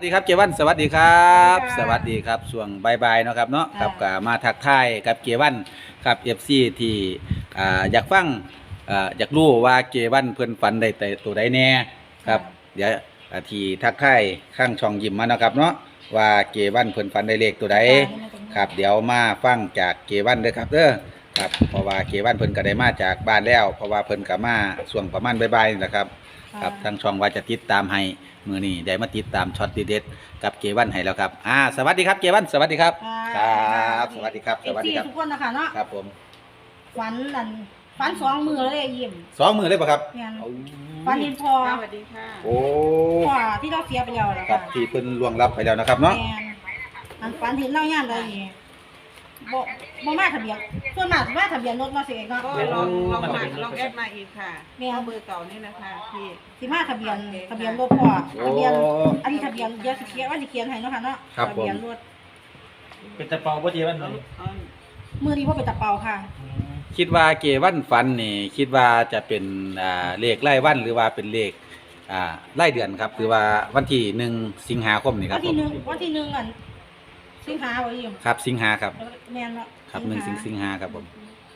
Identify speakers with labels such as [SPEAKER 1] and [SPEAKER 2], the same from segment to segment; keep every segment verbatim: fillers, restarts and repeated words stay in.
[SPEAKER 1] สวัสดีครับเกวันสวัสดีครับสวัสดีครับช่วงบ่ายๆเนาะครับเนาะครับก็มาทักทายกับเกวันครับ เอฟ ซี ที่อ่าอยากฟังอ่าอยากรู้ว่าเกวันเพิ่นฝันได้แต่ตัวใดแน่ครับเดี๋ยวอ่าที่ทักทายข้างช่องยิมมาเนาะครับเนาะว่าเกวันเพิ่นฝันได้เลขตัวใดครับเดี๋ยวมาฟังจากเกวันเด้อครับเด้อครับเพราะว่าเกวันเพิ่นก็ได้มาจากบ้านแล้ว เพราะว่าเพิ่นก็มาช่วงประมาณบ่ายๆนี่แหละครับครับทางช่องว่าจะติดตามให้มือนี้ได้มาติดตามช็อตดีเด็ดกับเกวันให้แล้วครับอ่าสวัสดีครับเกวันสวัสดีครับครับสวัสดีครับสวัสดีครับ
[SPEAKER 2] ทุกคนนะคะเนาะ
[SPEAKER 1] ครับผม
[SPEAKER 2] ฝันนั่นฝันสองมือเลยยิ้ม
[SPEAKER 1] สองมือเลยป่ะครับ
[SPEAKER 2] ฝันเห็นพ่อ
[SPEAKER 3] สวัสดีค่ะ
[SPEAKER 1] โอ้
[SPEAKER 2] พ่อที่เราเสียไปแล้วนะ
[SPEAKER 1] ครั
[SPEAKER 2] คะ
[SPEAKER 1] บที่เพิ่นล่วงลับไปแล้วนะครับเนาะ
[SPEAKER 2] อันฝันเห็นเล่าย่านใดบ่บ่มาทะเบียนส่วนมากว่าทะเบียนรถมาเสียเนาะ
[SPEAKER 3] ก็ลองลองมาลองแอดมาอีกค่ะเบอร์เก่านี่นะคะพี่
[SPEAKER 2] สิมาทะเบียนทะเบียนรถพ่อทะเบียนอันนี้ทะเบียนเดี๋ยวสิเขียนว่าสิเขียนให้เนาะค่ะเนาะทะเบียนรถ
[SPEAKER 4] เป็นตะเปาบ่เจวันเลย
[SPEAKER 2] มือนี้บ่เป็นตะเปาค่ะ
[SPEAKER 1] คิดว่าเกวันฝันนี่คิดว่าจะเป็นอ่าเลขไล่วันหรือว่าเป็นเลขอ่าไล่เดือนครับหรือว่าวันที่หนึ่งสิงหาคมนี่ครั
[SPEAKER 2] วั
[SPEAKER 1] บ
[SPEAKER 2] นที่หนึ่งวันที่หนึ่งอันสิงหาบ่ยิ้ม
[SPEAKER 1] ครับสิงหาครับ
[SPEAKER 2] แม่นเนาะ
[SPEAKER 1] ครับหนึ่งสิงสิงหาครับผม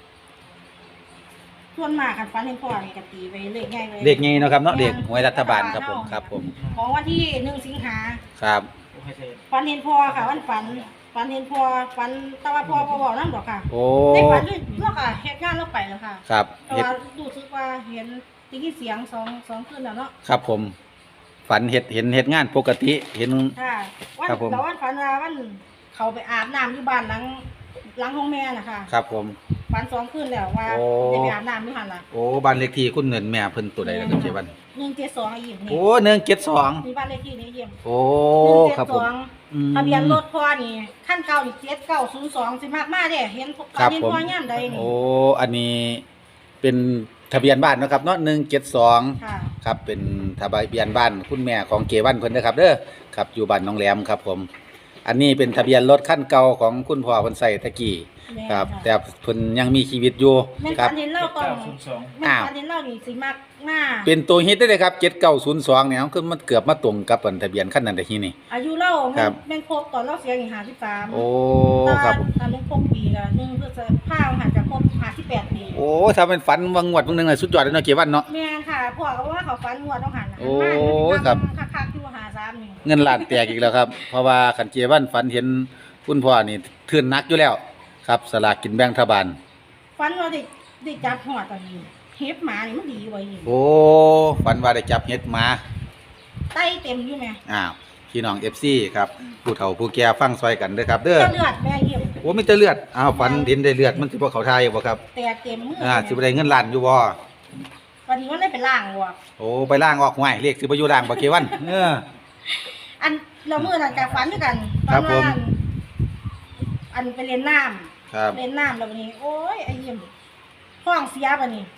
[SPEAKER 2] ส่วนมากคันฝันเห็นพ่อนี่ก็ตีไปเลขใหญ่เลย
[SPEAKER 1] เลขไงเนาะครับเนาะเลขหวยรัฐบาลครับผมครับผม
[SPEAKER 2] ของวันที่หนึ่งสิงหา
[SPEAKER 1] ครับ
[SPEAKER 2] ฝันเห็นพ่อค่ะวันฝันฝันเห็นพ่อฝันแต่ว่าพ่อบ่บอกนำดอกค่ะ
[SPEAKER 1] โอ้
[SPEAKER 2] ได้ฝันด้วยเนาะค่ะเฮ็ดงานแล้วไปแล้วค่ะ
[SPEAKER 1] ครับ
[SPEAKER 2] แต่ว่ารู้สึกว่าเห็นได้ยินเสียงสองสองคืนแล้วเนาะ
[SPEAKER 1] ครับผมฝันเห็ดเห็นเห็ดงานปกติเห็น
[SPEAKER 2] ค่ะวันแต่วันฝันว่าวันเขาไปอาบน้ำอยู่บ้านหลังหลังห้องแม่น่ะค่ะ
[SPEAKER 1] ครับผม
[SPEAKER 2] ฝันสองคืนแล้วว่าได้ไปอาบน้ำอยู่หั่นล่ะ
[SPEAKER 1] โอ้บ้านเลขที่คุณเงินแม่เพิ่นตัวใดล่ะครับเจวัน
[SPEAKER 2] หนึ่งเจ็ดสองยิ้มนี่
[SPEAKER 1] โอ้หนึ่งเจ็ดสอง
[SPEAKER 2] มีบ้านเลขที่นี่ยิ้ม
[SPEAKER 1] โอ้ครับผม
[SPEAKER 2] ทะเบียนรถพ่อนี่ขั้นเก่านี่เจ็ดเก้าศูนย์สองสิมากมากเด้เห็นฝันเห็นพ่อย่ำใดนี่
[SPEAKER 1] โอ้อันนี้เป็นทะเบียนบ้านนะครับเนาะหนึ่งเจ็ดสองครับเป็นทะเบียนบ้านคุณแม่ของเกวันเพิ่นนะครับเด้อครับอยู่บ้านน้องแหลมครับผมอันนี้เป็นทะเบียนรถขั้นเก่าของคุณพ่อเพิ่นใส่ตะกี้ครับแต่เพิ่นยังมีชีวิตอยู่
[SPEAKER 2] ครับเห็นเล่าตอนแม่ฝันเห็นเล่านี่สิมากมาก
[SPEAKER 1] เป็นตัวฮิตได้เลยครับเจ็ดเก้าศูนย์สองเนี่ยคือมันเกือบมาตรงกับทะเบียนขั้นนั้นแต่ทีนี่
[SPEAKER 2] อายุเล่าแม่งครบตอนเล่าเสียอย่างห้าสิบสาม
[SPEAKER 1] โอ้ครับ
[SPEAKER 2] ตอนแม่งครบปีละหนึ่งเพื่อจะผ้าหันจะครบห้าสิบแปดปี
[SPEAKER 1] โอ้ถ้าเป็นฝันวังงวดวังนึงเลยสุดยอดเลยเนาะเกวันเนาะ
[SPEAKER 2] แม่ค่ะพ่อก็ว่าเขาฝันงวดต้องหัน
[SPEAKER 1] โอ้ครับ
[SPEAKER 2] คักๆที่ว่าหาสามนี่
[SPEAKER 1] เงินล้านแตกอีกแล้วครับเพราะว่าขันเกวันฝันเห็นคุณพ่อนี่เทือนนักอยู่แล้วครับสลากกินแบ่งรัฐบาล
[SPEAKER 2] ฝันว่าได้ได้จับหัวตอนนี้เฮ็บหมานี่มันดีไว้อยู่
[SPEAKER 1] โอ้ฝันว่าได้จับเฮ็ดมา
[SPEAKER 2] ไต้เต็มอยู่แม่
[SPEAKER 1] อ้าวพี่น้อง เอฟ ซี ครับผู้เฒ่าผู้แก่ฟังซอยกันเด้อครับเด้อ
[SPEAKER 2] เลือดแม่เยี่ยม
[SPEAKER 1] โอ้มีแต่เลือดอ้าวฝันเห็นได้เลือดมันสิบ่เข้าทายบ่ครับ
[SPEAKER 2] แต่เต็มมือ
[SPEAKER 1] อ่าสิบ่ได้เงินล้านอยู่บ่
[SPEAKER 2] วันนี้มันได้ไปล้างบ่
[SPEAKER 1] โอ้ไปล้างออกห้วยเลขสิบ่อยู่ล้างบ่เกวันเออ
[SPEAKER 2] อันเรามื้อนั้นก็ฝันด้วยกัน
[SPEAKER 1] ครับผม
[SPEAKER 2] อันไปเล่นน้
[SPEAKER 1] ำครับ
[SPEAKER 2] เล่นน้ำแล้ววันนี้โอ้ยไอ้ยิ้มห้องเสียบัดนี้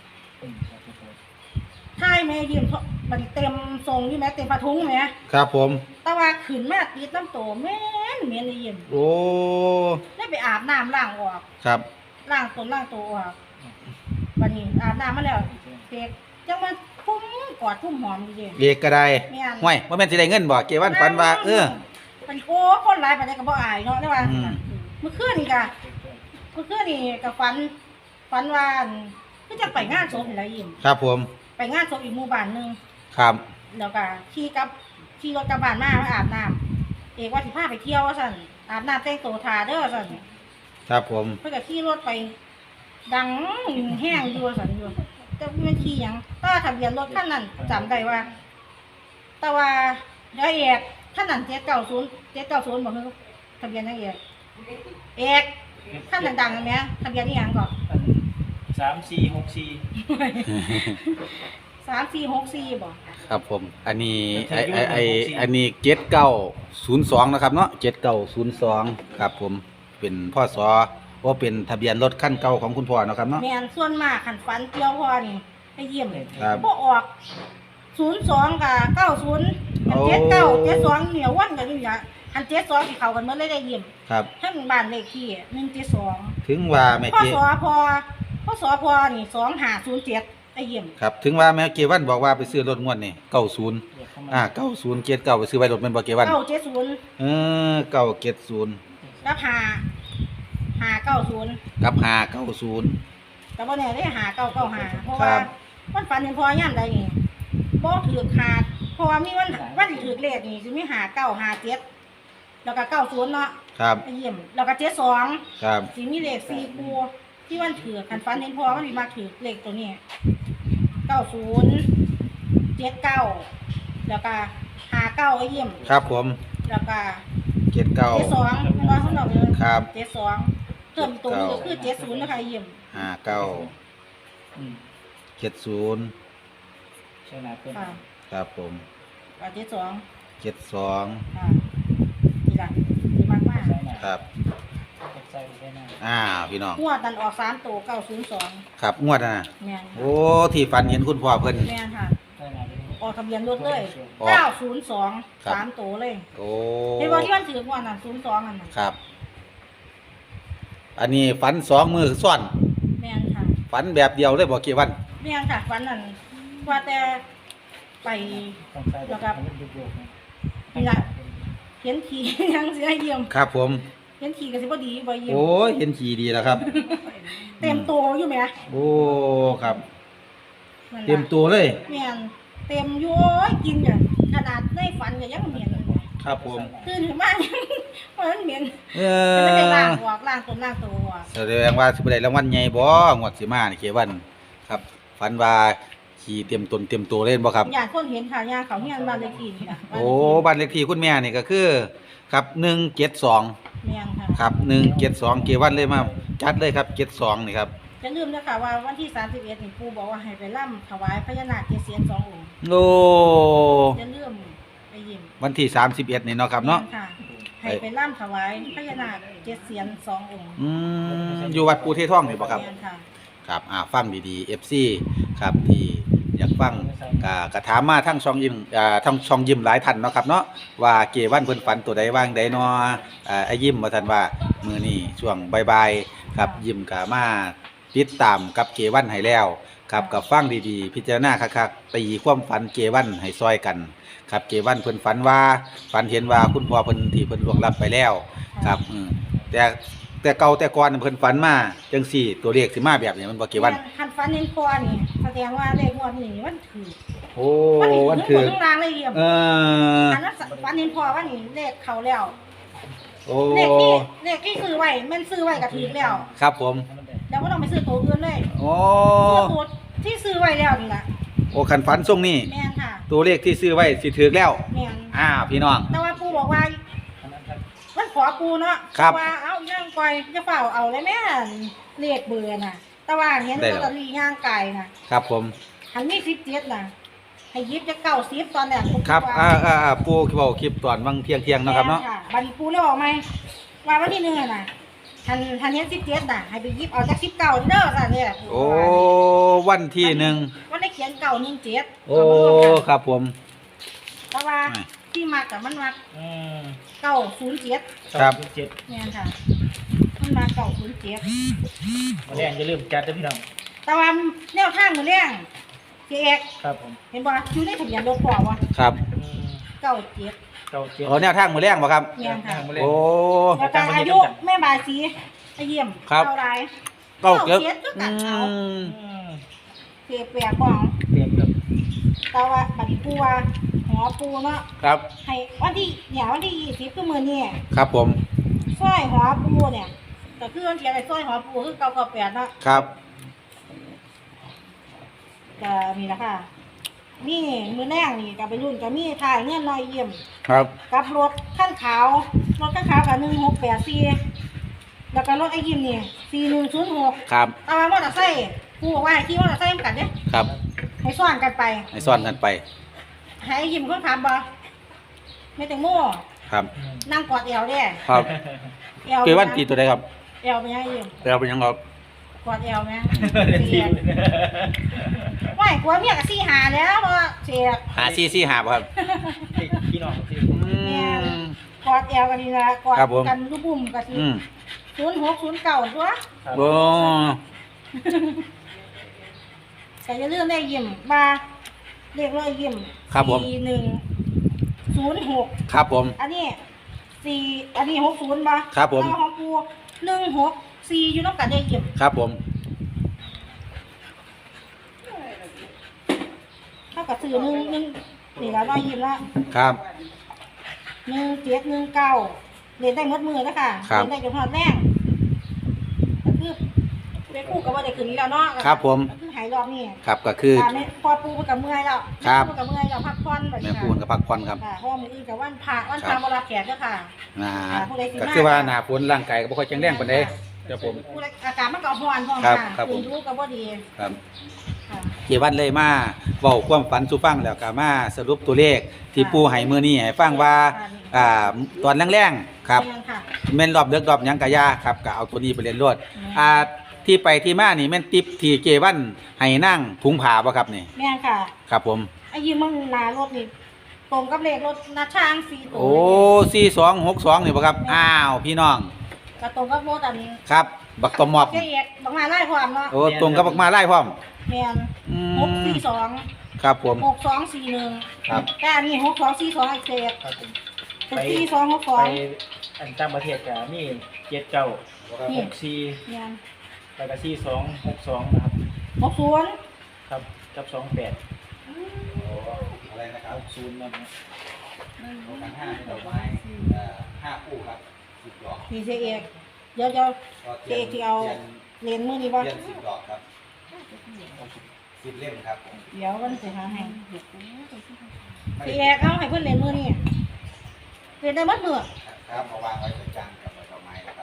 [SPEAKER 2] ท้ายแม่ยิ้มมันเต็มทรงอยู่แม่เต็มผ้าถุงแม่
[SPEAKER 1] ครับผม
[SPEAKER 2] แต่ว่าขึ้นมาติดน้ำโตแม่นเหม็นไอ้ยิ้ม
[SPEAKER 1] โอ้
[SPEAKER 2] ได้ไปอาบน้ำล้างออก
[SPEAKER 1] ครับ
[SPEAKER 2] ล้างตนล้างตัวออกบัดนี้อาบน้ำมาแล้วเด็กจังมันพุ่มกอดพุ่มหอมอยู่เด้
[SPEAKER 1] เด็กก็ได้ห้วยบ่แม่นสิได้เงินบ่เกวันฝันว่าเออ
[SPEAKER 2] มันโอ้คนหลายปานใดก็บ่อายเนาะได้ว่าเมื่อคืนนี่ก็เมื่อคืนนี่ก็ฝันฝันว่าคือจะไปงานศพนี่ล่ะยิ้ม
[SPEAKER 1] ครับผม
[SPEAKER 2] ไปงานศพอีกหมู่บ้านนึง
[SPEAKER 1] ครับ
[SPEAKER 2] แล้วก็ขี่กับขี่รถกลับบ้านมามาอาบน้ำเอกว่าสิพาไปเที่ยวว่าซั่นอาบน้ำแต่งตัวทาเด้อซั่น
[SPEAKER 1] ครับผม
[SPEAKER 2] เพิ่นก็ขี่รถไปดังแห้งอยู่ซั่นอยู่แต่มันขี่หยังถ้าทะเบียนรถคันนั้นจำได้ว่าแต่ว่าเดี๋ยวเอกคันนั้นเจ็ดเก้าศูนย์ เจ็ดเก้าศูนย์บ่คือทะเบียนจังเอกเอกคันดังๆแม่ทะเบียนอีหยังก่อน
[SPEAKER 4] สามสี่หกสี่
[SPEAKER 2] สามสี่หกสี่บ่
[SPEAKER 1] ครับผมอันนี้ไอ้ไอ้ไอ้อันนี้เจ็ดเก้าศูนย์สองนะครับเนาะเจ็ดเก้าศูนย์สองครับผมเป็นพ่อสอว่าเป็นทะเบียนรถขั้นเก่าของคุณพ่อนะครับเนาะ
[SPEAKER 2] แม่นส่วนมากคันฝันเกี่ยวพ่อนี่ไปเยี่ยม
[SPEAKER 1] ครับ
[SPEAKER 2] บ่ออกศูนย์สองกับเก้าศูนย์เจ็ดเก้า เจ็ดสองเหนียววันกันอยู่อย่างอันเจ็ดสองสิเข้ากันหมดเลยได้เยี่ยม
[SPEAKER 1] ครับ
[SPEAKER 2] ทั้งบ้านเลขที่หนึ่งเจ็ดสอง
[SPEAKER 1] ถึงว่าแม่
[SPEAKER 2] พ่อ
[SPEAKER 1] เจ๊
[SPEAKER 2] สอพอพ่อสอพอนี่สองห้าศูนย์เจ็ดไอ้เยี่ยม
[SPEAKER 1] ครับถึงว่าแม่เกวันบอกว่าไปซื้อรถงวดนี่เก้าศูนย์
[SPEAKER 4] เดี๋ยวเข้ามา
[SPEAKER 1] อ่าเก้าศูนย์เกียรเก้าไปซื้อไว้รถแม่นบ่เกวัน
[SPEAKER 2] เก้าเจ็ดศูนย์
[SPEAKER 1] เออเก้าเจ็ดศูนย์
[SPEAKER 2] กับหาหาเก้าศูนย์
[SPEAKER 1] กับห้าเก้าศูนย์
[SPEAKER 2] แต่ว่าเนี่ยได้หาเก้าเก้าหาเพราะ
[SPEAKER 1] ครั
[SPEAKER 2] ว่า
[SPEAKER 1] บ
[SPEAKER 2] มันฝันเห็นพอย่ามใดนี่บ่ถือขาดเพราะว่ามีวันวันที่ถือเลขนี่สิมีหาเก้าหาเจ็ดแล้วก็เก้าศูนย์เนาะ
[SPEAKER 1] ครับ
[SPEAKER 2] ไอ้เยี่ยมแล้วก็เจ็ดสอง
[SPEAKER 1] ครับ
[SPEAKER 2] สิมีเลขสี่คู่ที่วันถือคันฝันเห็นพอมันสิมาถือเลขตัวนี้เก้าศูนย์เจ็ดเก้าแล้วก็หาเก้าไอ้เยี่ยม
[SPEAKER 1] ครับผม
[SPEAKER 2] แล้วก็
[SPEAKER 1] เจ็ดเก้า
[SPEAKER 2] เจ็ดสองเป็นว่าของเราเลย
[SPEAKER 1] ครับ
[SPEAKER 2] เจ็ดสองเพิ่มตัวนี้ก็คือเจ็ดศูนย์นะคะไอ้เยี่ยม
[SPEAKER 1] ห้าเก้า
[SPEAKER 4] อืม
[SPEAKER 1] เจ็ดศูนย์
[SPEAKER 4] ใช่ไหมเพื่อน
[SPEAKER 2] ค่ะ
[SPEAKER 1] ครับผม
[SPEAKER 2] กับเจ็ดสอง
[SPEAKER 1] เจ็ดสอง
[SPEAKER 2] ค่ะนี่ละดีมากมาก
[SPEAKER 4] ใช่ไหม
[SPEAKER 1] ครับ
[SPEAKER 4] ใช่ใช่ไหม
[SPEAKER 1] อ้าวพี่น้อง
[SPEAKER 2] งวดตันออกสามตัวเก้าศูนย์สอง
[SPEAKER 1] ครับงวดนะ
[SPEAKER 2] แม่น
[SPEAKER 1] โอ้ที่ฝันเห็นคุณพ่อเพิ่น
[SPEAKER 2] แม่นค่ะ
[SPEAKER 4] ใช่ไหม
[SPEAKER 2] ออกทะเบียนรถเลย
[SPEAKER 1] ออก
[SPEAKER 2] เก้าศูนย์สอง
[SPEAKER 1] ครับ
[SPEAKER 2] สามตัวเลย
[SPEAKER 1] โอ้
[SPEAKER 2] เห็นว่าที่มันถือกว่าน่ะศูนย์สองอันน่ะ
[SPEAKER 1] ครับ อันนี้ฝันสองมือซ่อน
[SPEAKER 2] แม่นค่ะ
[SPEAKER 1] ฝันแบบเดียวเลยบอกกี่วัน
[SPEAKER 2] แม่นค่ะวันนั้นว่าแต่ไป
[SPEAKER 4] ต้องใช่แล้วก็ยุบยุบ
[SPEAKER 2] นี่ล่ะ เห็นขี่ ยังเสียเยี่ยม
[SPEAKER 1] ครับผม
[SPEAKER 2] เห็นขี่ก็สิบ่ดีบ่เยี่ยม
[SPEAKER 1] โอ้ยเห็นขี่ดีแล้วครับ
[SPEAKER 2] เต็มตัวอยู่แหม
[SPEAKER 1] โอ้ครับ
[SPEAKER 2] นั่นล่ะ
[SPEAKER 1] เต็มตัวเลย
[SPEAKER 2] แม่นเต็มอยู่โอ้ยกินจ้ะขนาดในฝันก็ยังเหม็นเลย
[SPEAKER 1] ครับผม
[SPEAKER 2] ตื่นขึ้นมา มันเหม็น
[SPEAKER 1] เอ
[SPEAKER 2] มันไม่ได้ล้าง
[SPEAKER 1] อ
[SPEAKER 2] ออกล้างตัวล้างตัวออก
[SPEAKER 1] แสดงว่าสิบ่ได้รางวัลใหญ่บ่งวดสิมานี่เกวัน ครับฝันว่าขี่เตรียมตนเตรียมตัวเล่นบ่ครับ
[SPEAKER 2] อยากคนเห็นค่ะย่างเขาเฮียนบ้านเลขที่นี่ค่ะ
[SPEAKER 1] โอ้บ้านเลขที่คุณแม่นี่ก็คือ ครับหนึ่งเจ็ดสอง
[SPEAKER 2] แม่นค่ะ
[SPEAKER 1] ครับหนึ่งเจ็ดสองเกวันเลยมาจัดเลยครับเจ็ดสองนี่ครับ
[SPEAKER 2] จะลืมนะคะว่าวันที่สามสิบเอ็ดนี่ปู่บอกว่าให้ไปร่ำถวายพญานาคเจ็ดเสียนสององค์
[SPEAKER 1] โอ้
[SPEAKER 2] จะลืมไปยิ้ม
[SPEAKER 1] วันที่สามสิบเอ็ดนี่เนาะครับเนาะ
[SPEAKER 2] แม่ค่ะให้ไปร่ำถวายพญานาคเจ็ดเสียนสององค์
[SPEAKER 1] อืมอยู่วัดปูเทท่องนี่บ่ครับ
[SPEAKER 2] แม่นค่ะ
[SPEAKER 1] ครับอ่าฟังดีๆ เอฟ ซี ครับที่อยากฟังก็ก็ถามมาทั้งช่องยิ้มอ่าทั้งช่องยิ้มหลายท่านเนาะครับเนาะว่าเกวันเพิ่นฝันตัวใดว่างใดเนาะอ่าไอ้ยิ้มว่าท่านว่ามื้อนี้ช่วงบ่ายๆครับยิ้มก็มาติดตามกับเกวันให้แล้วครับกับฟังดีๆ พิจารณาคักๆตีความฝันเกวันให้ซอยกัน ครับเกวันเพิ่นฝันว่าฝันเห็นว่าคุณพ่อเพิ่นที่เพิ่นล่วงลับไปแล้วครับอืมแต่แต่เก่าแต่ก่อนเพิ่นฝันมาจังซี่ตัวเลขสิมาแบบนี้มันบ่เกวัน
[SPEAKER 2] คันฟันเน้นคอนี่แสดงว่าเลขงวดนี้มันถือ
[SPEAKER 1] โอ้
[SPEAKER 2] มั
[SPEAKER 1] วัน น
[SPEAKER 2] ถื
[SPEAKER 1] คือ อ
[SPEAKER 2] ทั้งรางเลยเยี่ยม
[SPEAKER 1] เออ
[SPEAKER 2] อันนั้นฟันเน้นคอว่านี่เลขเขาแล้ว
[SPEAKER 1] โอ้
[SPEAKER 2] เลขที่เลขที่ซื้อไว้แมันซื้อไว้ก็ถือแล้ว
[SPEAKER 1] ครับผม
[SPEAKER 2] แล้วก็ต้องไปซื้อตัวอื่นเลย
[SPEAKER 1] โอ้
[SPEAKER 2] ซื้อตัวที่ซื้อไว้แล้วนี่แหละ
[SPEAKER 1] โอ้คันฝันทรงนี้
[SPEAKER 2] แม่นค่ะ
[SPEAKER 1] ตัวเลขที่ซื้อไว้สิถึกแล้ว
[SPEAKER 2] แม่น
[SPEAKER 1] อ้าวพี่น้อง
[SPEAKER 2] แต่ว่าปู่บอกว่ามันขอปู่เนาะ
[SPEAKER 1] ครับ
[SPEAKER 2] ว่าเอาย่างก่อยจะเฝ้าเอาเลยแม่นเลขเบอร์น่ะ แต่ว่าเห็น
[SPEAKER 1] ได้
[SPEAKER 2] ล
[SPEAKER 1] แล้
[SPEAKER 2] อ
[SPEAKER 1] ว
[SPEAKER 2] ตเตอรี่ย่างไก่น่ะ
[SPEAKER 1] ครับผม
[SPEAKER 2] หันมีสิบเจ็ดน่ะ ให้ยิบจะเก้าสิบตอนแรกผม
[SPEAKER 1] ครับ
[SPEAKER 2] ว่า
[SPEAKER 1] อ่าอ่าอ่าปูเว้าคลิปตอนวังเที่ยงเที่ยงๆเนาะครับเนาะ
[SPEAKER 2] แม่บัดนี้ปู่เลยบอกไหมว่าวันที่หนึ่งอะน่ะหันหันเห็นสิบเจ็ดน่ะให้ไปยิบเอาจากสิบเก้าเด้อสั่นเนี่ย
[SPEAKER 1] โอ้วันที่หนึ่ง
[SPEAKER 2] วันได้เขียนเก้าหนึ่งเจ็ด
[SPEAKER 1] โอ้ครับผม
[SPEAKER 2] แต่ว่า
[SPEAKER 1] ไม่
[SPEAKER 2] ที่มักกับมันมัก
[SPEAKER 4] อืม
[SPEAKER 2] เก้าศูนย์เจ็ด
[SPEAKER 1] ครับ
[SPEAKER 4] เจ็ด
[SPEAKER 2] เนี่ยค่ะ มันมาเก้าศูนย์เจ็ด
[SPEAKER 4] มาแรงจะเริ่มจัดด้วยพี่น้อง
[SPEAKER 2] แต่ว่าแนวทางมือแรงเจ๊เอก
[SPEAKER 4] ครับผม
[SPEAKER 2] เห็นบ่อยู่ในทะเบียนรถพ่อวะ
[SPEAKER 1] ครับ
[SPEAKER 4] อืม
[SPEAKER 2] เก้าเจ็ด
[SPEAKER 4] เก้าเจ็ด
[SPEAKER 1] โอ้แนวทางมือแรงบ่ครับ
[SPEAKER 2] เนี่ยค่ะ
[SPEAKER 1] โอ้
[SPEAKER 2] แล้วก็อายุแม่บายสีไปเยี่ยม
[SPEAKER 1] ครับ
[SPEAKER 2] เท่าไร
[SPEAKER 1] เก้าเก็บ
[SPEAKER 2] จ็ดก็
[SPEAKER 1] อื
[SPEAKER 2] ตัดเอา
[SPEAKER 1] ม
[SPEAKER 4] อืม
[SPEAKER 2] เปียเปียกของ
[SPEAKER 4] เตรียมครับ
[SPEAKER 2] แต่ว่าบัดนี้ปูว่าหอปูเนาะ
[SPEAKER 1] ครับ
[SPEAKER 2] ให้วันที่เนี่ยวันที่ยี่สิบคือมื้อนี้
[SPEAKER 1] ครับผม
[SPEAKER 2] สร้อยหอปูเนี่ยก็คือวันที่อะไรสร้อยหอปูคือเก้าเก้าแปดเนาะ
[SPEAKER 1] ครับ
[SPEAKER 2] ก็นี่แหละค่ะนี่มื้อแรกนี่ก็ไปรุ่นก็มีถ่ายเงินน้อยเยี่ยม
[SPEAKER 1] ครับ
[SPEAKER 2] กับรถขั้นขาวรถขั้นขาวกับหนึ่งหกแปดสี่แล้วก็รถไอ้ยิมนี่สี่หนึ่งศูนย์หก
[SPEAKER 1] ครับ
[SPEAKER 2] เอามามอเตอร์ไซค์กูบอกว่าให้ขี่มอเตอร์ไซค์เหมือนกันเนี่ย
[SPEAKER 1] ครับ
[SPEAKER 2] ให้ซ้อนกันไป
[SPEAKER 1] ให้ซ่อนกันไป
[SPEAKER 2] ให้ไอ้ยิมคนขับบ่ไม่แต่งโม่
[SPEAKER 1] ครับ
[SPEAKER 4] อืม
[SPEAKER 2] นั่งกอดเอวเด้
[SPEAKER 1] ครับ
[SPEAKER 2] เอว
[SPEAKER 1] เกวันตีตัวใดครับ
[SPEAKER 2] เอวเป็นยังไงยิม
[SPEAKER 1] แล้วเป็นยังครับ
[SPEAKER 2] กอดเอวไหม
[SPEAKER 4] ที
[SPEAKER 2] เสีย
[SPEAKER 4] ม
[SPEAKER 2] ไม่กลัวเมียกับซี่หาแล้วเพราะว่าเสีย
[SPEAKER 1] หาซี่ซี่หาบ่ครับ
[SPEAKER 4] พี่น้องที่
[SPEAKER 1] อืม
[SPEAKER 2] กอดเอวกันนี่ละกอด
[SPEAKER 1] ครับผม
[SPEAKER 2] กันลูกบุ่มกันสิ
[SPEAKER 1] อืม
[SPEAKER 2] ศูนย์หกศูนย์เก้าตัว
[SPEAKER 4] ครับ
[SPEAKER 1] โอ้
[SPEAKER 2] ก็อย่าลืมได้ยิ้มมาเรียกร้อยยิ้ม
[SPEAKER 1] ครับผม
[SPEAKER 2] สี่หนึ่งศูนย์หก
[SPEAKER 1] ครับผม
[SPEAKER 2] อันนี้สี่อันนี้หกศูนย์ป่ะ
[SPEAKER 1] ครับผม
[SPEAKER 2] แล้วของปูหนึ่งหกสี่อยู่น้ำกันได้ยิ้ม
[SPEAKER 1] ครับผม
[SPEAKER 2] เท่ากับสื่อหนึ่งหนึ่งนี่ละร้อยยิ้มละ
[SPEAKER 1] ครับ
[SPEAKER 2] หนึ่งเจ็ดหนึ่งเก้าเรียนได้หมดมือแล้วค่ะ
[SPEAKER 1] ครับ
[SPEAKER 2] เรียนได้จนหอดแรงก็คือเป็นคู่กับว่าได้คืนนี้แล้วเนาะ
[SPEAKER 1] ครับผม
[SPEAKER 2] ก็คือหายรอบนี่
[SPEAKER 1] ครับก็คือ
[SPEAKER 2] ตามนี้พอปูไปกับเมื่อยแล้ว
[SPEAKER 1] ครับ
[SPEAKER 2] ปูกับเมื่อยแล้วพักผ่อนแบบ
[SPEAKER 1] แม่
[SPEAKER 2] นี้
[SPEAKER 1] ปูนกับพักผ่อนครับ
[SPEAKER 2] ค่ะเพราะว่ามืออื่นกับวันพระวัน
[SPEAKER 1] ค
[SPEAKER 2] พ
[SPEAKER 1] รั
[SPEAKER 2] ระ
[SPEAKER 1] บ
[SPEAKER 2] มารับแขกเด้อค่ะ
[SPEAKER 1] อ่า
[SPEAKER 2] อ่าผู้ใดสิมา
[SPEAKER 1] ก็คือว่าหน้าฝนร่างกายก็บ่ค่อยแข็งแรงปานใดครับผม
[SPEAKER 2] ผู้ใดอากาศมันก็ร้อนพร้อม
[SPEAKER 1] ครับ
[SPEAKER 2] ค่ะ
[SPEAKER 1] ครับผม
[SPEAKER 2] ตื่นรู้กับว่าดี
[SPEAKER 1] ครับ
[SPEAKER 2] ค่ะ
[SPEAKER 1] เจวันเลยมาเว้าความฝันสู่ฟังแล้วก็มาสรุปตัวเลขที่ปู่ให้มื้อนี้ให้ฟังว่าอ่าตอนแรงๆครับ
[SPEAKER 2] แม่นค่ะ
[SPEAKER 1] แม่นรอบเดึกรอบหยังก็อย่าครับก็เอาตัวนี้ไปเรียนรวด
[SPEAKER 2] แม่น
[SPEAKER 1] อ่าที่ไปที่มานี่แม่นติปที่เจวันให้นั่งถุงผ้าบ่ครับนี่
[SPEAKER 2] แม่นค่ะ
[SPEAKER 1] ครับผม
[SPEAKER 2] ไอ้ยืมมึงหนารถนี่ตรงกับเลขรถนาช่างสี่ตัว
[SPEAKER 1] โอ้สี่สองหกสองนี่บ่ครับอ้าวพี่น้อง
[SPEAKER 2] ก็ตรงกับรถอัน
[SPEAKER 1] ครับ บักตอมอบ
[SPEAKER 2] เจ๊เอกบักมาไล่ความเนาะ
[SPEAKER 1] โอ้ตรงกับบักมาไล่พร้อม
[SPEAKER 2] แม่น
[SPEAKER 1] อื
[SPEAKER 2] หก
[SPEAKER 1] ม
[SPEAKER 2] สี่สอง
[SPEAKER 1] ครับผม
[SPEAKER 2] หกสองสี่หนึ่ง
[SPEAKER 1] ครับ
[SPEAKER 2] แต่อันนี้หกสองสี่สองไอ้เศษ
[SPEAKER 4] ครับผม
[SPEAKER 2] เป็นสี่สองหกสอ
[SPEAKER 4] ไป
[SPEAKER 2] ง
[SPEAKER 4] อันต่างประเทศก็มีเจ็ดเก้า
[SPEAKER 2] นี่
[SPEAKER 4] หกสี่
[SPEAKER 2] แม่น
[SPEAKER 4] แล้วก็สี่สองหกสองนะครับ
[SPEAKER 2] หกศูนย์
[SPEAKER 4] ครับกับสองแปด
[SPEAKER 1] อะไรนะครับ
[SPEAKER 4] หกศูนย์นะครับ
[SPEAKER 1] ทั้งห้าดอกไม้เอ่อห้าคู่ครับสิบดอก
[SPEAKER 2] นี่เจ๊เอกเดี๋ยวเดี๋ยวเจ๊เอกที่เอาเหรียญมือนี่บ่
[SPEAKER 1] เทียนสิบดอกครับสิบเล่มครับผม
[SPEAKER 2] เดี๋ยวมันจะหาให้เจ๊เอกเอาให้เพิ่นเหรียญมือนี่เหรียญได้หมดมือ
[SPEAKER 1] ครับมาวางไว้ตรงกลางกับดอกไม้นะครับ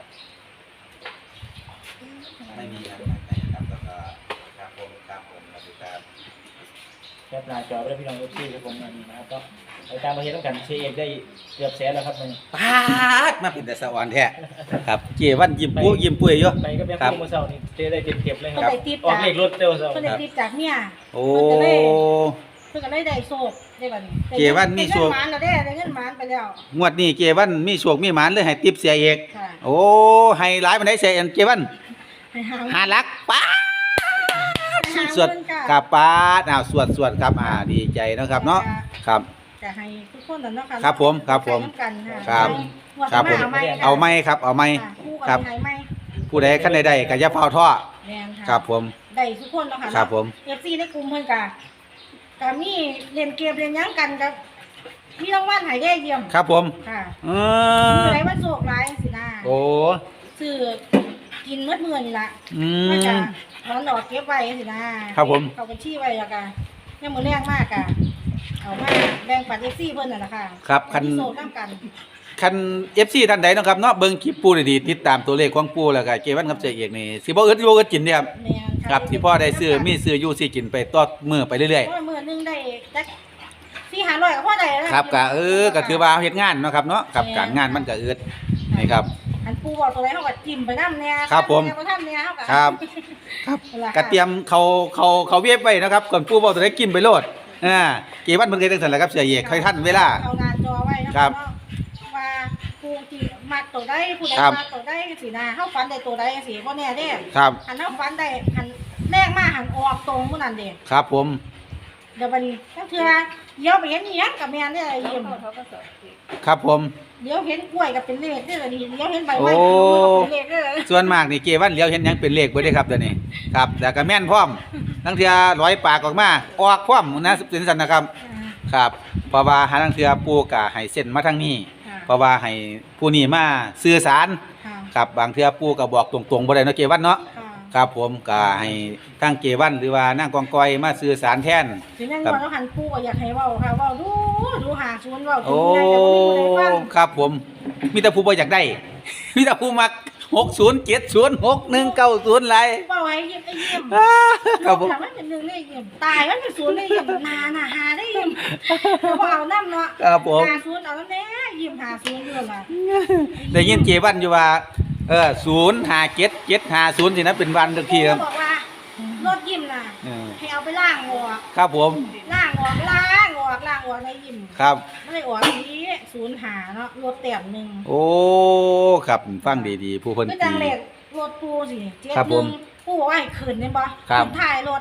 [SPEAKER 1] ไม่มีครับนะครับแล้วก็ครับผมครับผมสวัสดีครับ
[SPEAKER 4] แคปหน้าจอไว้แล้วพี่น้องเอฟซีครับผมอันนี้นะครับก็ไปตามประเทศต้องกันเชเอกได้เกือบแสนแล้วครับมัน
[SPEAKER 1] ปาดมาเป็นแต่สวรรค์แท้ครับเจวันยิ้มปุ้ยยิ้มปุ้ยอยู่
[SPEAKER 4] ไปก็เป็น
[SPEAKER 1] ครับ
[SPEAKER 4] คู่มือเสาร์นี่เจได้เก็บๆเลยค
[SPEAKER 2] เพิ่น
[SPEAKER 4] รับ
[SPEAKER 2] ได้ติป
[SPEAKER 4] ออก
[SPEAKER 2] จาก
[SPEAKER 4] เลขรถเร็วเสาร์
[SPEAKER 2] เพิ่นได้ติปจากเมีย
[SPEAKER 1] โอ้
[SPEAKER 2] เพิ่นก็เลยได้โชคได้บัดนี้
[SPEAKER 1] เจวันมีโชค
[SPEAKER 2] ได้เงินหมานแล้วเด้ได้เงินหมานไปแล้ว
[SPEAKER 1] งวดนี้เจวันมีโชคมีหมานเลยให้ติปเสียเอก
[SPEAKER 2] ค่ะ
[SPEAKER 1] โอ้ให้หลายปานใดเสียเอกเจวัน
[SPEAKER 2] ให้หา
[SPEAKER 1] ห้าลักป้าด
[SPEAKER 2] ให้หา
[SPEAKER 1] สวด
[SPEAKER 2] เงินค่ะ
[SPEAKER 1] กับป้าดอ้าวสวดสวดครับอ่าดีใจเนาะครับเนาะครับ
[SPEAKER 2] จะให้ทุกคนนั่นเนาะค่ะ
[SPEAKER 1] ครับผมครับผม
[SPEAKER 2] ใช้น้ำกันค่ะ
[SPEAKER 1] ครับ
[SPEAKER 2] งวด
[SPEAKER 1] ครับ
[SPEAKER 2] ห
[SPEAKER 1] ผม
[SPEAKER 2] น้าเอาไหม
[SPEAKER 1] เอาไหมครับเอาไหม
[SPEAKER 2] ค่ะคู่
[SPEAKER 1] ครั
[SPEAKER 2] กับบ ให้ไหม
[SPEAKER 1] ผู้ใดขั้นใดๆก็อย่าเฝ้าท่อ
[SPEAKER 2] แม่นค่ะ
[SPEAKER 1] ครับผม
[SPEAKER 2] ได้ทุกคนเนาะค่ะ
[SPEAKER 1] ครับผม
[SPEAKER 2] เอฟซีในกลุ่มเพิ่นก็ก็มีเล่นเกมเล่นหยังกันกับมีรางวัลให้ได้เยี่ยม
[SPEAKER 1] ครับผม
[SPEAKER 2] ค่ะ
[SPEAKER 1] เออ
[SPEAKER 2] ผู้ใดว่าโชคร้ายสินะ
[SPEAKER 1] โอ้
[SPEAKER 2] ซื้อกินเมื่อมื้อนี่ล่ะ
[SPEAKER 1] อื
[SPEAKER 2] มันก็
[SPEAKER 1] ม
[SPEAKER 2] ร้อนดอกเก็บไว้สินะครับ
[SPEAKER 1] ผม
[SPEAKER 2] เข้าบัญชีไว้แล้วก็ยังมื้อแรงมากก็เอามาแบ่งปันเอฟซีเพิ่นนั่นล่ะค่ะ
[SPEAKER 1] ครับคัน
[SPEAKER 2] มีโชคนำกัน
[SPEAKER 1] คัน เอฟ ซี ท่านใดเนาะครับเนาะเบิ่งคลิปปูดีๆติดตามตัวเลขของปูแล้วก็เกวันกับเจเอกนี่สิบ่อึดบ่อึดกินเด้ครับ
[SPEAKER 2] แม่นค่ะ
[SPEAKER 1] ครับที่พ่อได้ซื้อมีซื้ออยู่สิกินไปต่อมื้อไปเรื่อย
[SPEAKER 2] เพราะว่ามื้อหนึงได้จักสี่ห้าร้อยก็พอได้แล้ว
[SPEAKER 1] ๆครับก็เออก็ถือว่าเฮ็ดงานเนาะครับเนาะกับการงานมันก็อึดนี่ครับ
[SPEAKER 2] อันปูบอกตัวไหนเฮาก็จิ้มไปนำแน่
[SPEAKER 1] ครับผม
[SPEAKER 2] บ่ทันแน่เฮาก็
[SPEAKER 1] ครับ ครับ
[SPEAKER 2] นั่นล่ะ
[SPEAKER 1] ก็เตรียมเขาเขาเขาเวฟไว้นะครับก่อนปูบอกตัวได้กินไปโลดอ่าเกวันเพิ่นเคยจังซั่นแหละครับเสียเอกค่อยทันเวลา
[SPEAKER 2] เอาหน้าจอไว้นะครับ เนาะว่าปูที่มักตัวใดผู้ใด
[SPEAKER 1] ครับ
[SPEAKER 2] มักตัวใดสินะเฮาฝันได้ตัวใดสิบ่แน่เด้
[SPEAKER 1] ครับ
[SPEAKER 2] หันเฮาฝันได้หันแรกมาหันออกตรงมื้อนั้นเด้
[SPEAKER 1] ครับผม
[SPEAKER 2] เดี๋ยวบัดนี้ถ้าเทื่อเดี๋ยวไปเห็นอีหยังกับแม่นเด้อยิ้ม
[SPEAKER 1] ครับผม
[SPEAKER 2] เดี๋ยวเห็นกล้วยก็เป็นเลขเด้อนี่เดี๋ยวเห็นใบไม้
[SPEAKER 1] โอ้
[SPEAKER 2] ก็เป็นเลขเด้อ
[SPEAKER 1] ส่วนมากนี่เกวันเลี้ยวเห็นหยังเป็นเลขเบ่ได้ครับเดี๋ยวนี้ครับแต่ก็แม่นพร้อมทั้งเทื่อร้อยปากออกมาออกพร้อมนะเป็นซั่นนะครับ ครับเพราะว่าหาทั้งเทื่อปู่ก็ให้เส้นมาทางนี้
[SPEAKER 2] ค่ะ
[SPEAKER 1] เพราะว่าให้ผู้นี้มาสื่อสาร
[SPEAKER 2] ค่ะ
[SPEAKER 1] ครับบางเทื่อปู่ก็บอกตรงๆบ่ได้เนาะเกวันเนาะ
[SPEAKER 2] ค่ะ
[SPEAKER 1] ครับผมก็ให้ทางเกวันหรือว่านางกองกอยมาสื่อสารแทน
[SPEAKER 2] สิแม่นว่าเราหันปูก็อยากให้เว้าค่ะเว้าดูดูหาชวนเว้าถึ
[SPEAKER 1] โอ้
[SPEAKER 2] งไงก็บ่มีผู้ใดฟัง
[SPEAKER 1] ครับผม มีแต่ผู้บ่อยากได้ มีแต่ผู้มักหกศูนย์ เจ็ดศูนย์ หกหนึ่ง เก้าศูนย์ไร
[SPEAKER 2] เว้าให้ยิ้มไอ้ยิ้ม
[SPEAKER 1] ครับผม
[SPEAKER 2] ถามว่าเป็นหนึ่งได้ยิ้มตายมันเป็นศูนย์ได้ยิ้มนาน่ะหาได้ยิ้มเขาบอกเอาน้ำเนาะ
[SPEAKER 1] ครับผม
[SPEAKER 2] หาศูนย์เอาน้ำแน่ยิ้มหาศูนย์อยู่ล่ะ
[SPEAKER 1] ได้ยินเจวันอยู่ว่าเออศูนย์ห้าเจ็ดเจ็ดห้าศูนย์สินะเป็นวันทุกทีครับ
[SPEAKER 2] บอกว่ารถยิ้มน่ะ
[SPEAKER 1] เออ
[SPEAKER 2] ให้เอาไปล้างออก
[SPEAKER 1] ครับผม
[SPEAKER 2] ล้างออกล้างออกล้างออกในยิ้ม
[SPEAKER 1] ครับ
[SPEAKER 2] ไม่ได้ออกนี้ศูนย์หาเนาะรถเต็มหนึ่ง
[SPEAKER 1] โอ้ครับฟังดีๆ ผู้คน
[SPEAKER 2] ไม่
[SPEAKER 1] ตี
[SPEAKER 2] จังเล็กรถปูสิเจ็ด
[SPEAKER 1] ครับ
[SPEAKER 2] ห
[SPEAKER 1] ผ
[SPEAKER 2] นึ่
[SPEAKER 1] ม
[SPEAKER 2] งปูบอกว่าให้ขึ้นเนี่ยบ่
[SPEAKER 1] ครับ
[SPEAKER 2] ขึ้นถ่ายรถ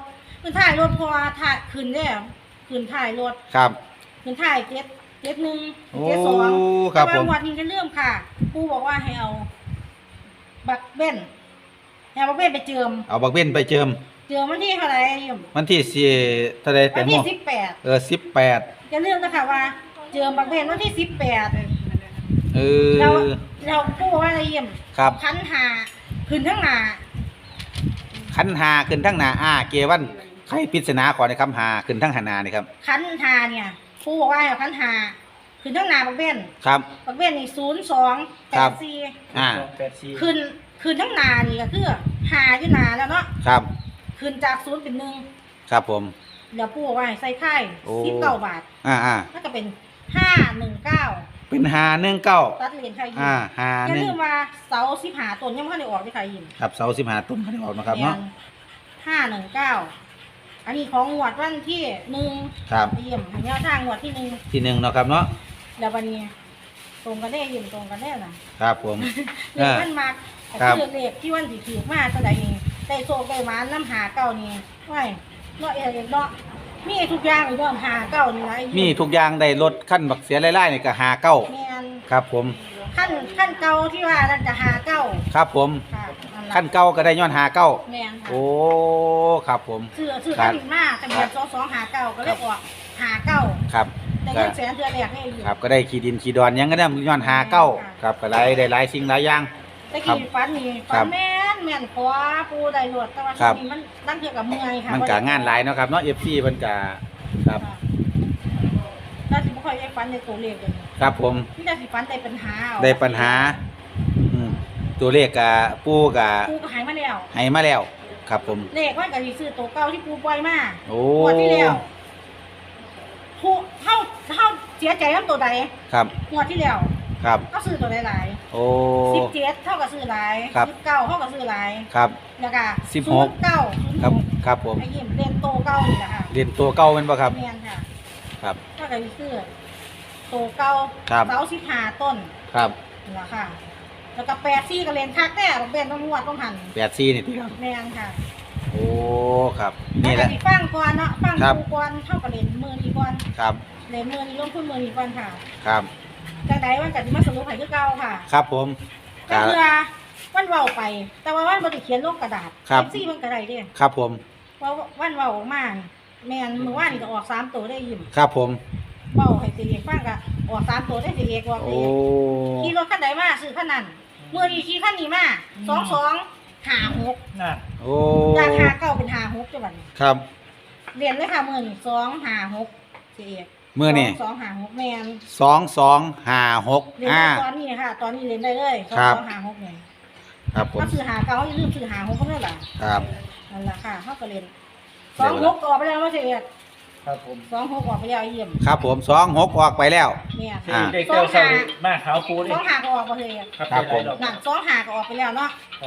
[SPEAKER 2] ขึ้นถ่ายรถพอถ่ายขึ้นได้ขึ้นถ่ายรถ
[SPEAKER 1] ครับ
[SPEAKER 2] ขึ้นถ่ายเจ็ดเจ็ดหนึ่ง
[SPEAKER 1] โอ้
[SPEAKER 2] เจ็ดสอง
[SPEAKER 1] ครับ
[SPEAKER 2] แต่
[SPEAKER 1] ผ
[SPEAKER 2] ว่าม งวดนี้จะเริ่มค่ะปูบอกว่าให้เอาบักเบ้นให้เอาบักเบ้นไปเจิม
[SPEAKER 1] เอาบักเบ้นไปเจิม
[SPEAKER 2] เจิมวันที่เท่าไหร่ยิม
[SPEAKER 1] วันที่สี่เท่าใดแต่
[SPEAKER 2] วัน
[SPEAKER 1] โม
[SPEAKER 2] ที่
[SPEAKER 1] ง
[SPEAKER 2] สิบแปด
[SPEAKER 1] เออสิบแปด
[SPEAKER 2] จะเริ่มนะคะว่า เจิมบักเบ้นวันที่สิบแปด
[SPEAKER 1] เอ
[SPEAKER 2] เรา
[SPEAKER 1] อ
[SPEAKER 2] เราปูบอกว่าอะไรยิม
[SPEAKER 1] ครับ
[SPEAKER 2] คันหาขึ้นทั้งหนา
[SPEAKER 1] ขันหาขึ้นทั้งหนาอ่าเกวันใครปริศนาขอในคำหาขึ้นทั้งหานานี่ครับ
[SPEAKER 2] คันหาเนี่ยปูบอกว่าให้เอาคันหาขึ้นทั้งหนาบักเบ้น
[SPEAKER 1] ครับ
[SPEAKER 2] บักเบ้นนี่ศูนย์สองแป
[SPEAKER 1] ครั
[SPEAKER 2] ด
[SPEAKER 1] บ
[SPEAKER 2] สี่
[SPEAKER 1] อ่า
[SPEAKER 4] แปดสี่
[SPEAKER 2] ขึ้นขึ้นทั้งหนานี่ก็คือหาอยู่หนาแล้วเนาะ
[SPEAKER 1] ครับ
[SPEAKER 2] ขึ้นจากศูนย์เป็นหนึ่ง
[SPEAKER 1] ครับผม
[SPEAKER 2] เดี๋ยวปูบอกว่าให้ใส่ไข่
[SPEAKER 1] โอ้
[SPEAKER 2] สิบเก้าบาท
[SPEAKER 1] อ่าอ่า
[SPEAKER 2] ก็จะเป็นห้าหนึ่งเก้า
[SPEAKER 1] เป็นหาหนึ่งเก้า
[SPEAKER 2] ตัดเหรียญไทยยิม
[SPEAKER 1] อ่าหา
[SPEAKER 2] อย่า
[SPEAKER 1] หนึ่
[SPEAKER 2] ลื
[SPEAKER 1] ง
[SPEAKER 2] มว่าเสาสิบหาต้นยังไม่ทันได้ออกที่ไทยยิม
[SPEAKER 1] ครับเสาสิบหาต้นเขาได้ออกนะครับเนาะ
[SPEAKER 2] ห้าหนึ่งเก้าอันนี้ของงวดวันที่หนึ่ง
[SPEAKER 1] ครับ
[SPEAKER 2] ยิมหันยาทางงวดที่หนึ่ง
[SPEAKER 1] ที่หนึ่งเนาะครับเนาะ
[SPEAKER 2] แล้ววันนี้ตรงกันได้ยิมตรงกันได้นะครับ
[SPEAKER 1] ผม
[SPEAKER 2] เลขมันมาก
[SPEAKER 1] ครับ
[SPEAKER 2] คือเลขที่วันที่ถือมาเท่าไหร่นี่ได้โซได้หมาน้ำหาเก้านี่ไม่เนาะเอ๋เนาะมีทุกอย่างเลยเนาะหาเก้านี่นะไอ้ยิ
[SPEAKER 1] มีทุกอย่างได้ลดขั้นบักเสียไล่ๆนี่ก็หาเก้า
[SPEAKER 2] แมน
[SPEAKER 1] ครับผม
[SPEAKER 2] ขั้นขั้นเก่าที่ว่านั่นจะหาเก้า
[SPEAKER 1] ครับผม
[SPEAKER 2] ค่ะนั่นล่ะ
[SPEAKER 1] ขั้นเก้าก็ได้ย้อนหาเก้า
[SPEAKER 2] แมนค่ะ
[SPEAKER 1] โอ้ครับผม
[SPEAKER 2] ซื้อซื้อ
[SPEAKER 1] ครั
[SPEAKER 2] ขั้
[SPEAKER 1] บ
[SPEAKER 2] นมากทะเบียนสองสองหาเก้าก็เลยออกหาเก้า
[SPEAKER 1] ครับ
[SPEAKER 2] แต่
[SPEAKER 1] ก็
[SPEAKER 2] เงินแสนเดือนแรกให้อยู่
[SPEAKER 1] ครับก็ได้ขีดินขีดอนหยังก็ได้ย้อนหาเก้าครับก็ได้ได้หลายสิ่งหลายอย่าง
[SPEAKER 2] แต่กี้ฟันนี่
[SPEAKER 1] ครั
[SPEAKER 2] ฟั
[SPEAKER 1] บ
[SPEAKER 2] นแม่นแม่นขวาปูได้รวดแต่ว่า
[SPEAKER 1] ครับ
[SPEAKER 2] ทีนี้มันนั่งเกี่ยวกับเมื่อยค่ะ
[SPEAKER 1] มันก็งานหลายเนาะครับเนาะ เอฟ ซี เพิ่นก็ครับ
[SPEAKER 2] ค่ะแล้วสิบ่ค่อยได้ฟันในตัวเลขเลย
[SPEAKER 1] ครับผม
[SPEAKER 2] นี่แต่สิฟันได้ปัญหาเอา
[SPEAKER 1] ได้ปัญหาอืมตัวเลขก็ปู่ก็
[SPEAKER 2] ปูก็หายมาแล้ว
[SPEAKER 1] ให้มาแล้ว ครับผม
[SPEAKER 2] เลขมันก็สิซื้อตัวเก่าที่ปูปล่อยมา
[SPEAKER 1] โอ้
[SPEAKER 2] งวดที่แล้วปูเฮาเฮาเสียใจกับตัวใด
[SPEAKER 1] ครับ
[SPEAKER 2] งวดที่แล้ว
[SPEAKER 1] ครับ
[SPEAKER 2] ก็ซื้อตัวหลาย
[SPEAKER 1] โอ้
[SPEAKER 2] ๆสิบเจ็ดเท่ากับซื้อหลาย
[SPEAKER 1] ครับ
[SPEAKER 2] สิบเก้าเท่ากับซื้อหลาย
[SPEAKER 1] ครับ
[SPEAKER 2] แล้วก็
[SPEAKER 1] สิบหก
[SPEAKER 2] เก้า
[SPEAKER 1] ครับครับผม
[SPEAKER 2] ไอ้ยิ้มเรียนโตเก้านี่แหละค่ะ
[SPEAKER 1] เรียนตัวเก่าแม่นบ่ครับ
[SPEAKER 2] เรียนค่ะ
[SPEAKER 1] ครับ
[SPEAKER 2] เท่ากับซื้อโตเก้า
[SPEAKER 1] ครับ
[SPEAKER 2] เสาสิบห้าต้น
[SPEAKER 1] ครับ
[SPEAKER 2] นี่แหละค่ะ แล้วก็แปดซี่ก็เรียนคักแน่เป็นต้องงวดต้องหัน
[SPEAKER 1] แปดสี่นี่ติครับ
[SPEAKER 2] แม่นค่ะ
[SPEAKER 1] โอ้ ครับ
[SPEAKER 2] แล้ว
[SPEAKER 1] นี่แห
[SPEAKER 2] ก็
[SPEAKER 1] ละ
[SPEAKER 2] สิฟังก่อนเนาะฟัง
[SPEAKER 1] ครับ
[SPEAKER 2] ครูก่อนเท่ากับเรียนมือนีก่อน
[SPEAKER 1] ครับ
[SPEAKER 2] เรียนมือนีลงทุนมือนีก่อนค่ะ
[SPEAKER 1] ครับ
[SPEAKER 2] จังใดวันก็สิมาสรุปให้คือเก่าค่ะ
[SPEAKER 1] ครับผม
[SPEAKER 2] ก็คือวันเว้าไป แต่ว่าวันบ่ได้เขียนลงกระดาษ
[SPEAKER 1] ครับ
[SPEAKER 2] ซี่เพิ่นก็ได้เด้
[SPEAKER 1] ครับผม
[SPEAKER 2] เพราะวันเว้าออกมานี่แม่นมื้อวานนี่ก็ออกสามตัวได้ยิ้ม
[SPEAKER 1] ครับผม
[SPEAKER 2] เว้าให้สิเอกฟังก็ออกสามตัวได้สิเอกว่าสิ
[SPEAKER 1] โอ้
[SPEAKER 2] ขี่รถคันใดมาซื้อคันนั้นมื้อนี้ขี่คันนี้มาสองสองห้าหก
[SPEAKER 4] น่ะ
[SPEAKER 1] โอ้
[SPEAKER 2] จากห้าเก้าเป็นห้าหกจังบัดนี้
[SPEAKER 1] ครับ
[SPEAKER 2] เรียนเลยค่ะมื้อนี้สองห้าหกสิเอก
[SPEAKER 1] มื้อนี้
[SPEAKER 2] สองห้าหกแม่น
[SPEAKER 1] สองสองห้าหก
[SPEAKER 2] เรียน
[SPEAKER 1] อ่า
[SPEAKER 2] ได้ตอนนี้ค่ะ ตอนนี้เรียนได้เลยสอง
[SPEAKER 1] ครับ
[SPEAKER 2] สองห้าหกนี่
[SPEAKER 1] ครับผม
[SPEAKER 2] ถ้าซื้อหาเก้าอย่าลืมซื้อหาหกก็ได้ล่ะ
[SPEAKER 1] ครับ
[SPEAKER 2] นั่นล่ะค่ะเฮาก็เรียนสองหกออกไปแล้วว่าสิเอก
[SPEAKER 4] ครับผม
[SPEAKER 2] สองหกออกไปแล้วเยี่ยม
[SPEAKER 1] ครับผมสองหกออกไปแล้ว
[SPEAKER 2] เนี่ย
[SPEAKER 4] เด็กเด็กเต้าเศร้านี่มาขาวปูดิ
[SPEAKER 2] สองหาก็ออกมาเลย
[SPEAKER 4] ครับ
[SPEAKER 1] ครับผม
[SPEAKER 4] ได้หลายดอก
[SPEAKER 2] นั่นสองหาก็ออกไปแล้วเนาะ
[SPEAKER 4] ครับ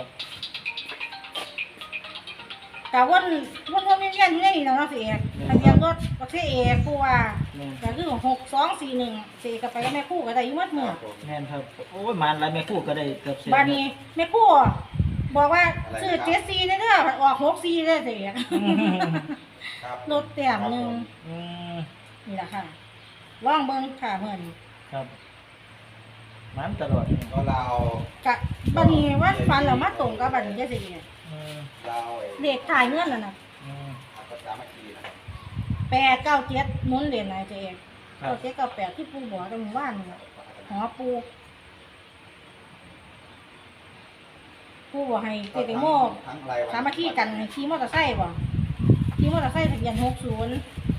[SPEAKER 2] แต่วนวนวนเวียนเวียนอยู่ในนี่เนาะสิเอกทะเบียนรถประเทศเอกผู้ว่าก็คือหกสองสี่หนึ่งสี่ก็ไปกับแม่คู่ก็ได้อยุ่มัดมือ
[SPEAKER 4] แม่นครับโอ้ยมันแล้วแม่คู่ก็ได้เกือบเสร็จ
[SPEAKER 2] บานี้แม่คู่บอกว่าซื้อเจ็ดซีเด้อออกหกซีเด้อสิเอก
[SPEAKER 1] ครับ
[SPEAKER 2] รถแต้มหนึ่ง
[SPEAKER 4] อืม
[SPEAKER 2] นี่แหละค่ะลองเบิ่งค่ะเพิ่น
[SPEAKER 4] ครับมันตลอด
[SPEAKER 1] ก็เรา
[SPEAKER 2] กะบัดนี้ว่าฟันแล้วมาตรงกับบัดนี้ได้สิเอก
[SPEAKER 4] อืม
[SPEAKER 1] เราไอ้
[SPEAKER 2] เด็กถ่ายเงินแล้วน่ะ
[SPEAKER 4] อืม
[SPEAKER 1] ภาษาเมื่อกี้นะครับ
[SPEAKER 2] แปดเก้าเจ็ดหมุนเหรียญไหนเจ๊เอง
[SPEAKER 4] ครับ
[SPEAKER 2] เก้าเจ็ดเก้าแปดที่ปูบอกตรงว่านนี่หอปูปูบอกให้เจติโมก
[SPEAKER 1] ทั้งรายวัน
[SPEAKER 2] สามัคคีกันให้ขี่มอเตอร์ไซค์บ่ขี่มอเตอร์ไซค์ทะเบียนหกศูนย์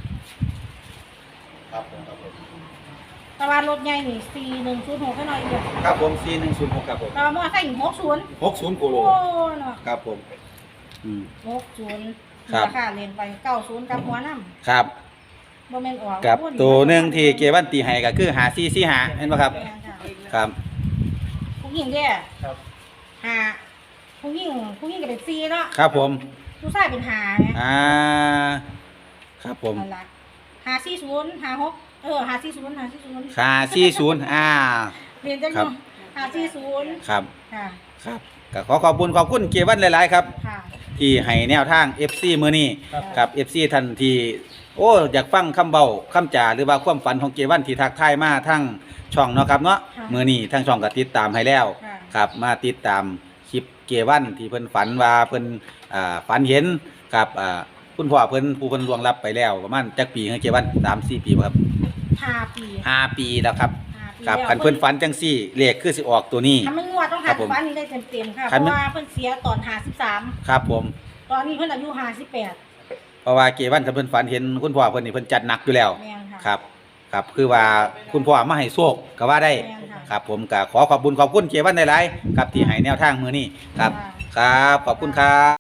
[SPEAKER 1] ครับผมครับผม
[SPEAKER 2] ตะวันรถใหญ่นี่สี่หนึ่งศูนย์หกแค่น้อยเดียว
[SPEAKER 1] ครับผมสี่หนึ่งศูนย์หกครับผม
[SPEAKER 2] ตะวันมอเตอร์ไซค์หกศูนย์
[SPEAKER 1] หกศูนย์โกโล
[SPEAKER 2] โอ้เนาะ
[SPEAKER 1] ครับผมอืม
[SPEAKER 2] หกศูนย์
[SPEAKER 1] ครับ
[SPEAKER 2] ราคาเรียนไปเก้าศูนย์กับหัวน้
[SPEAKER 1] ครับ
[SPEAKER 2] ำบ่แม่นออก
[SPEAKER 1] กับตัวหนึ่งที่เกวันตีให้ก็คือหาซีซีหาเห็นไหมครับ
[SPEAKER 2] แม่นค่ะ
[SPEAKER 1] ครับ
[SPEAKER 2] ผู้หญิงเด้อ
[SPEAKER 4] ครับ
[SPEAKER 2] หาผู้หญิงผู้หญิงก็เป็นซีเนาะ
[SPEAKER 1] ครับผม
[SPEAKER 2] ผู้ชายเป็นหาไง
[SPEAKER 1] อ่าครับผม
[SPEAKER 2] นั่นละหาสี่ศูนย์หาหกเออหาสี่ศูนย์หาสี่ศูนย์
[SPEAKER 1] หาซีศูนย์อ่า
[SPEAKER 2] เรียนจัง
[SPEAKER 1] ครับ
[SPEAKER 2] เนาะหาสี่ศูนย์
[SPEAKER 1] ครับ
[SPEAKER 2] ค่ะ
[SPEAKER 1] ครับก็ขอขอบคุณขอบคุณเกวันหลาย ๆ ครับ
[SPEAKER 2] ค่ะ
[SPEAKER 1] ที่ให้แนวทาง เอฟ ซี มื้อนี้
[SPEAKER 4] ครับ
[SPEAKER 1] ครับ เอฟ ซี ท่านที่โอ้อยากฟังคำเบาคำจาหรือว่าความฝันของเกวันที่ทักทายมาทั้งช่องเนาะครับเนาะ
[SPEAKER 2] ค่ะ
[SPEAKER 1] มื้อนี้ทั้งช่องก็ติดตามให้แล้ว
[SPEAKER 2] ค่ะ
[SPEAKER 1] ครับมาติดตามคลิปเกวันที่เพิ่นฝันว่าเพิ่นอ่าฝันเห็นกับอ่าคุณพ่อเพิ่นผู้เพิ่นล่วงลับไปแล้วประมาณจักปีให้เกวัน สามสี่ ปีบ่ครับ
[SPEAKER 2] ห้าปี
[SPEAKER 1] ห้าปีแล้วครับ
[SPEAKER 2] ห้าปี
[SPEAKER 1] ครับ
[SPEAKER 2] แล้ว
[SPEAKER 1] คันเพิ่นฝันจังซี่เลขคือสิออกตัวนี้
[SPEAKER 2] ถ้ามันงวดต้อง
[SPEAKER 1] ครั
[SPEAKER 2] หั
[SPEAKER 1] บ
[SPEAKER 2] น
[SPEAKER 1] ผม
[SPEAKER 2] ฟันนี่ได้เต็มๆค่ะ
[SPEAKER 1] คั
[SPEAKER 2] เพ
[SPEAKER 1] นมัน
[SPEAKER 2] ราะว่าเพิ่นเสียตอนห้าสิบสาม
[SPEAKER 1] ครับผม
[SPEAKER 2] ตอนนี้เพิ่นอายุห้าสิบแปด
[SPEAKER 1] เพราะว่าเกวันคันเพิ่นฝันเห็นคุณพ่อเพิ่นนี่เพิ่นจัดหนักอยู่แล้ว
[SPEAKER 2] แม่นค่ะ
[SPEAKER 1] ครับครับคือว่าคุณพ่อมาให้โชคก็ว่าได้
[SPEAKER 2] แม่นค่ะ
[SPEAKER 1] ครับผมก็ขอขอบคุณขอบคุณเกวันหลายๆครับที่ให้แนวทางมื้อนี้ครับ
[SPEAKER 2] ค่ะ
[SPEAKER 1] ครับขอบคุณครับ